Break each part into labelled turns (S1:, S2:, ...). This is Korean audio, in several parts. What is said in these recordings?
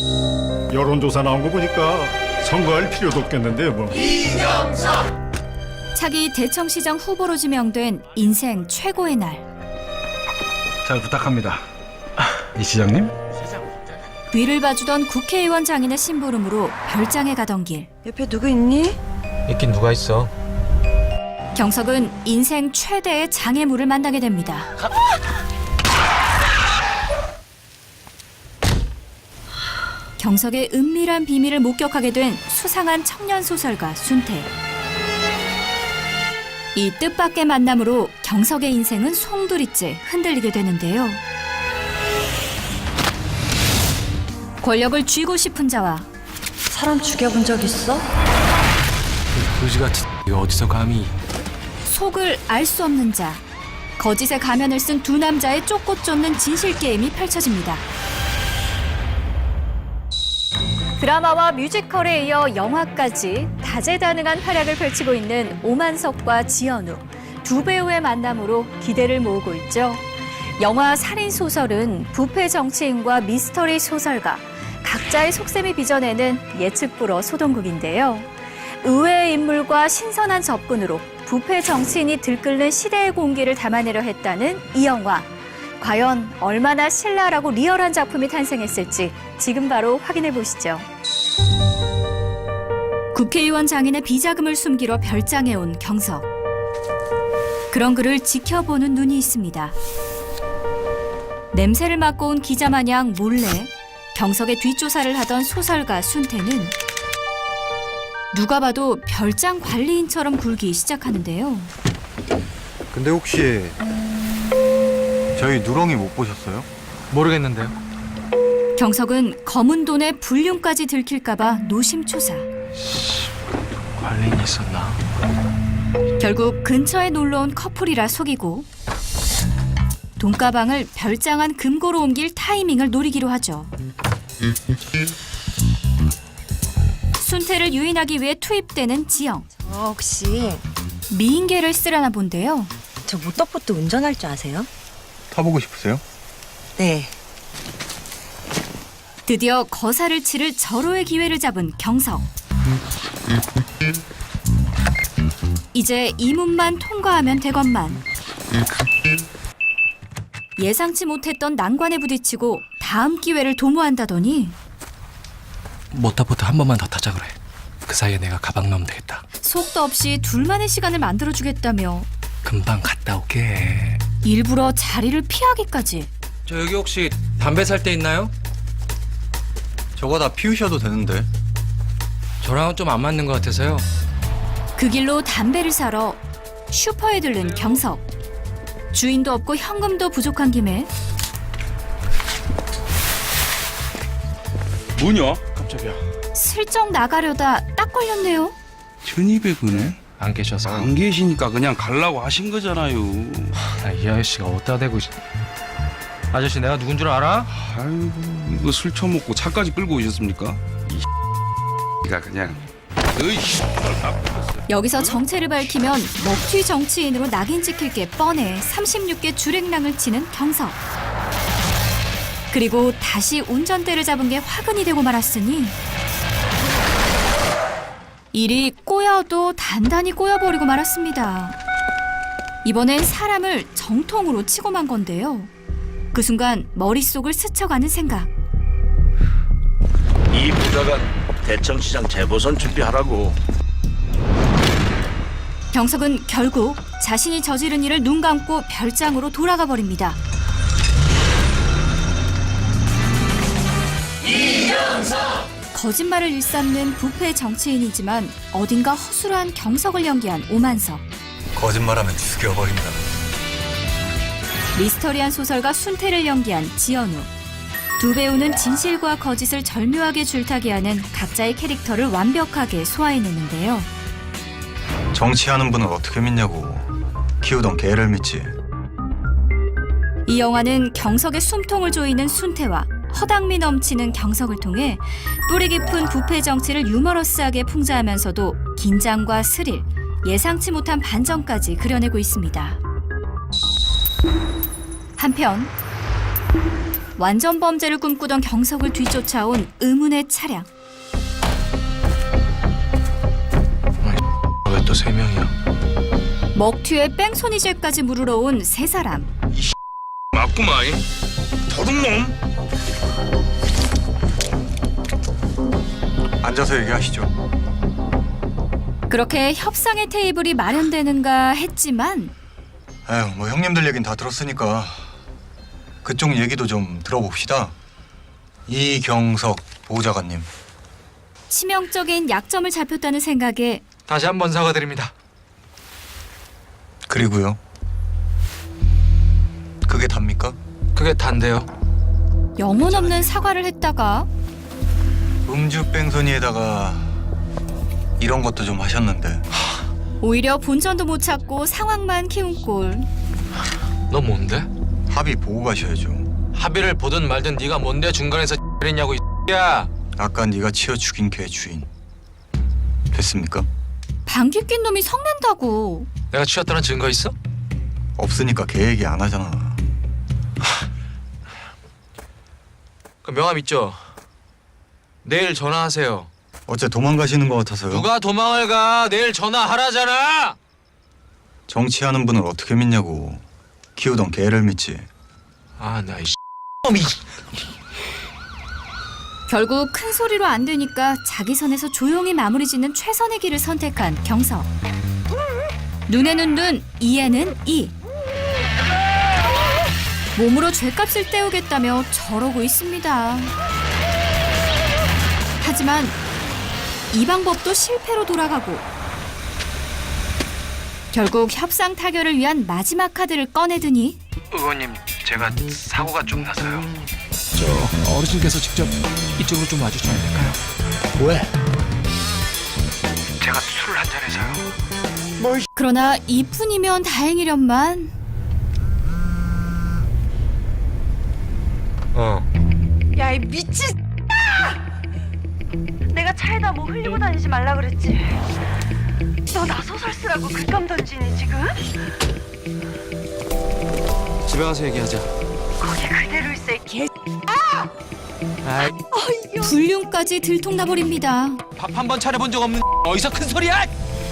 S1: 여론조사 나온 거 보니까 선거할 필요도 없겠는데요, 뭐.
S2: 차기 대청시장 후보로 지명된 인생 최고의 날.
S3: 잘 부탁합니다. 이 시장님?
S2: 뒤를 봐주던 국회의원 장인의 심부름으로 별장에 가던 길.
S4: 옆에 누구 있니?
S5: 있긴 누가 있어.
S2: 경석은 인생 최대의 장애물을 만나게 됩니다. 경석의 은밀한 비밀을 목격하게 된 수상한 청년 소설가 순태. 이 뜻밖의 만남으로 경석의 인생은 송두리째 흔들리게 되는데요. 권력을 쥐고 싶은 자와
S4: 사람 죽여본 적 있어?
S5: 거지같이 이거 어디서 감히.
S2: 속을 알 수 없는 자, 거짓의 가면을 쓴 두 남자의 쫓고 쫓는 진실 게임이 펼쳐집니다. 드라마와 뮤지컬에 이어 영화까지 다재다능한 활약을 펼치고 있는 오만석과 지연우 두 배우의 만남으로 기대를 모으고 있죠. 영화 살인소설은 부패 정치인과 미스터리 소설가 각자의 속셈이 빚어내는 예측 불허 소동극인데요. 의외의 인물과 신선한 접근으로 부패 정치인이 들끓는 시대의 공기를 담아내려 했다는 이 영화. 과연 얼마나 신랄하고 리얼한 작품이 탄생했을지 지금 바로 확인해 보시죠. 국회의원 장인의 비자금을 숨기러 별장에 온 경석. 그런 그를 지켜보는 눈이 있습니다. 냄새를 맡고 온 기자 마냥 몰래 경석의 뒷조사를 하던 소설가 순태는 누가 봐도 별장 관리인처럼 굴기 시작하는데요.
S6: 근데 혹시 저희 누렁이 못 보셨어요?
S5: 모르겠는데요.
S2: 경석은 검은 돈에 불륜까지 들킬까봐 노심초사.
S5: 관리인이 있었나?
S2: 결국 근처에 놀러온 커플이라 속이고 돈가방을 별장 안 금고로 옮길 타이밍을 노리기로 하죠. 순태를 유인하기 위해 투입되는 지영.
S4: 혹시
S2: 미인계를 쓰려나 본데요.
S4: 저 모터보트 운전할 줄 아세요?
S6: 타보고 싶으세요?
S4: 네.
S2: 드디어 거사를 치를 절호의 기회를 잡은 경석. 이제 이 문만 통과하면 되건만. 예상치 못했던 난관에 부딪히고 다음 기회를 도모한다더니
S5: 모터보트 한 번만 더 타자 그래. 그 사이에 내가 가방 넣으면 되겠다.
S2: 속도 없이 둘만의 시간을 만들어주겠다며
S5: 금방 갔다 올게.
S2: 일부러 자리를 피하기까지.
S5: 저 여기 혹시 담배 살 때 있나요?
S6: 저거 다 피우셔도 되는데.
S5: 저랑은 좀 안 맞는 것 같아서요.
S2: 그 길로 담배를 사러 슈퍼에 들른 경석. 주인도 없고 현금도 부족한 김에
S7: 뭐냐?
S5: 깜짝이야.
S2: 슬쩍 나가려다 딱 걸렸네요.
S7: 1200원에?
S5: 안 계셔서.
S7: 안 계시니까 그냥 갈라고 하신 거잖아요.
S5: 이 아저씨가 어디다 대고. 아저씨 내가 누군 줄 알아?
S7: 아이고 이거 술 처먹고 차까지 끌고 오셨습니까? 이가 그냥 으이씨
S2: 여기서 정체를 밝히면 먹튀 정치인으로 낙인 찍힐 게 뻔해 36개 주랭랑을 치는 경석. 그리고 다시 운전대를 잡은 게 화근이 되고 말았으니 일이 꼬여도 단단히 꼬여버리고 말았습니다. 이번엔 사람을 정통으로 치고 만 건데요. 그 순간 머릿속을 스쳐가는 생각.
S8: 이 부자가 대청시장 재보선 준비하라고.
S2: 경석은 결국 자신이 저지른 일을 눈 감고 별장으로 돌아가 버립니다. 거짓말을 일삼는 부패 정치인이지만 어딘가 허술한 경석을 연기한 오만석.
S6: 거짓말하면 죽여버린다.
S2: 미스터리한 소설가 순태를 연기한 지연우. 두 배우는 진실과 거짓을 절묘하게 줄타기하는 각자의 캐릭터를 완벽하게 소화해내는데요.
S6: 정치하는 분을 어떻게 믿냐고. 키우던 개를 믿지.
S2: 이 영화는 경석의 숨통을 조이는 순태와 허당미 넘치는 경석을 통해 뿌리 깊은 부패 정치를 유머러스하게 풍자하면서도 긴장과 스릴, 예상치 못한 반전까지 그려내고 있습니다. 한편 완전 범죄를 꿈꾸던 경석을 뒤쫓아온 의문의 차량.
S5: 왜 또 3명이야?
S2: 먹튀에 뺑소니죄까지 물으러 온 세 사람.
S7: 맞구만. 도둑놈.
S6: 앉아서 얘기하시죠.
S2: 그렇게 협상의 테이블이 마련되는가 했지만
S6: 에휴, 뭐 형님들 얘긴 다 들었으니까 그쪽 얘기도 좀 들어봅시다. 이경석 보좌관님.
S2: 치명적인 약점을 잡혔다는 생각에
S5: 다시 한번 사과드립니다.
S6: 그리고요. 그게 답니까?
S5: 그게 단데요.
S2: 영혼 없는 사과를 했다가
S6: 음주 뺑소니에다가 이런 것도 좀 하셨는데
S2: 오히려 본전도 못 찾고 상황만 키운 꼴.
S5: 너 뭔데?
S6: 합의 보고 가셔야죠.
S5: 합의를 보든 말든 네가 뭔데 중간에서 했냐고 이 야.
S6: 아까 네가 치어 죽인 개 주인 됐습니까?
S2: 방귀 낀 놈이 성낸다고.
S5: 내가 취했다는 증거 있어?
S6: 없으니까 개 얘기 안 하잖아.
S5: 그 명함 있죠? 내일 전화하세요.
S6: 어째 도망가시는 것 같아서요.
S5: 누가 도망을 가? 내일 전화하라잖아.
S6: 정치하는 분을 어떻게 믿냐고. 키우던 개를 믿지.
S5: 아, 나 이
S2: 결국 큰 소리로 안 되니까 자기 선에서 조용히 마무리 짓는 최선의 길을 선택한 경석. 눈에는 눈, 이에는 이. 몸으로 죗값을 때우겠다며 저러고 있습니다. 하지만 이 방법도 실패로 돌아가고 결국 협상 타결을 위한 마지막 카드를 꺼내드니
S5: 의원님, 제가 사고가 좀 나서요. 저 어르신께서 직접 이쪽으로 좀 와주시면 안 될까요?
S8: 왜?
S5: 제가 술을 한 잔해서요.
S2: 그러나 이뿐이면 다행이련만
S9: 야, 이 미친 내가 차에다 뭐 흘리고 다니지 말라 그랬지. 너 나서설 쓰라고 글감 던지니 지금?
S5: 집에 가서 얘기하자.
S9: 거기 그대로 있어 이 개.
S5: 아이,
S2: 불륜까지 들통나버립니다.
S5: 밥 한 번 차려본 적 없는 어디서 큰 소리야?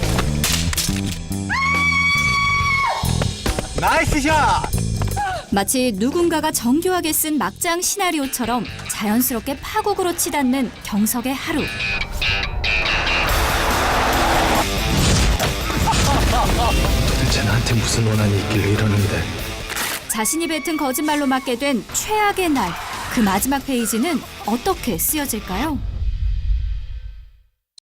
S2: 마치 누군가가 정교하게 쓴 막장 시나리오처럼 자연스럽게 파국으로 치닫는 경석의 하루.
S5: 도대체 나한테 무슨 원한이 있길래 이러는데?
S2: 자신이 뱉은 거짓말로 맞게 된 최악의 날. 그 마지막 페이지는 어떻게 쓰여질까요?